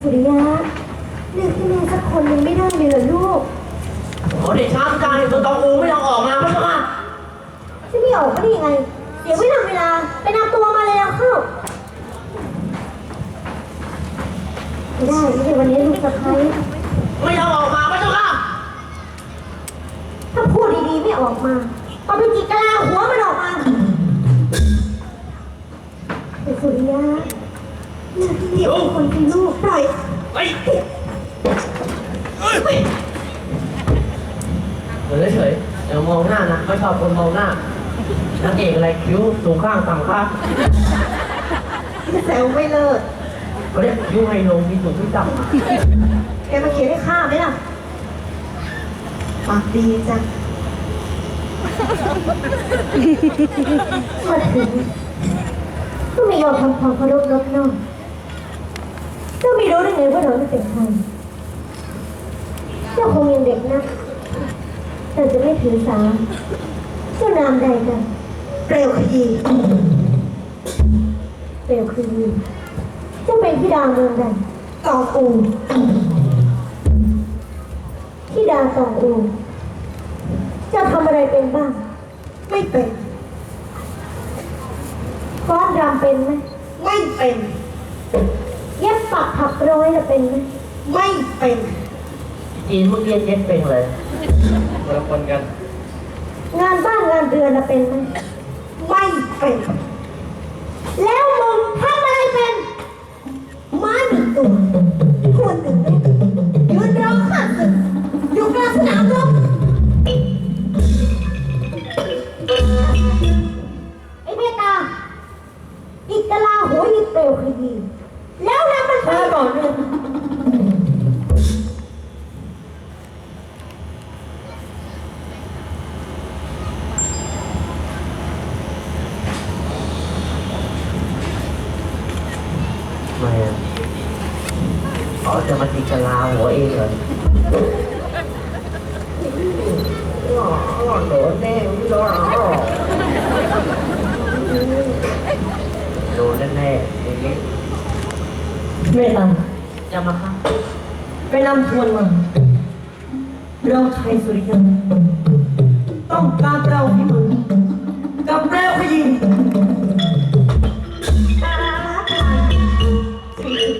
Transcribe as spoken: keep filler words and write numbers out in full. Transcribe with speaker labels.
Speaker 1: สุริยะเลือกให้แม่สักคนยังไม่ได้เลยเหรอลูก
Speaker 2: ขอเดชะอาจารย์ตัวตองอูไม่ต้องออกมาไม่ต้องมา
Speaker 1: จะไม่ออกก็ได้ยังไงเดี๋ยวไม่ทำเวลาไปนำตัวมาเลยแล้วเข้าไม่ได้ไม่ได้วันนี้ลูกสะใภ้
Speaker 2: ไม่ต้องออกมาไม่ต้องมา
Speaker 1: ถ้าพูดดีๆไม่ออกมาเอาไปจิกกะลาหัวมันออกมาแต่สุริยะเลือกที่นี่เป็นคนเป็นลูกปล่อย
Speaker 2: ไปเฉยเฉยเดี๋ยวมองหน้านะไม่ชอบคนมองหน้านางเอกอะไรคิ้วสูงข้างต่ำข้าง
Speaker 1: แซวไม่เลิก
Speaker 2: เขาเรียกคิ้วไฮโลมีสูงที่ต่
Speaker 1: ำแกมาเขียนให้ข้าไหมล่ะปากดีจังมาถึงก็ไม่ยอมทำความเคารพนอบน้อมเจ้าไม่รู้ได้ไงว่าเราเป็นใครเจ้าคงยังเด็กนะแต่จะไม่ถือสาเจ้านามใดกันเปลวขยีเปลวขยีเจ้าเป็นธิดาเมืองใดตองอูธิดาตองอูเจ้าทำอะไรเป็นบ้างไม่เป็นฟ้อนรำเป็นไหมไม่เป็นเย็บปักถักร้อยจะเป็นไหมไม่เป็น
Speaker 2: จีนเมื่อกี้เย็นเป็นเลยคนละคนกัน
Speaker 1: งานบ้านงานเรือนเป็นไหมไม่เป็นแล้วมึงทำอะไรเป็นม้าหนึ่งตัวคนหนึ่งยืนร้องข้าศึกอยู่กลางสนามรบไอ้เมตตาอิกกะลาหัวยิบเปลวขยีแล้วนำมันไปก่อนเลย
Speaker 2: ไม่อ๋อจะมาตีกะลาหัวเองเหรอโดนแน่ไม่โดนโดนแน่ๆอย่างนี้
Speaker 3: ไม่ตาม
Speaker 2: จะมาฆ่า
Speaker 3: ไปนำทวนมาเราไทยสุริยันต้องการเราที่มึงกับแปลวขยี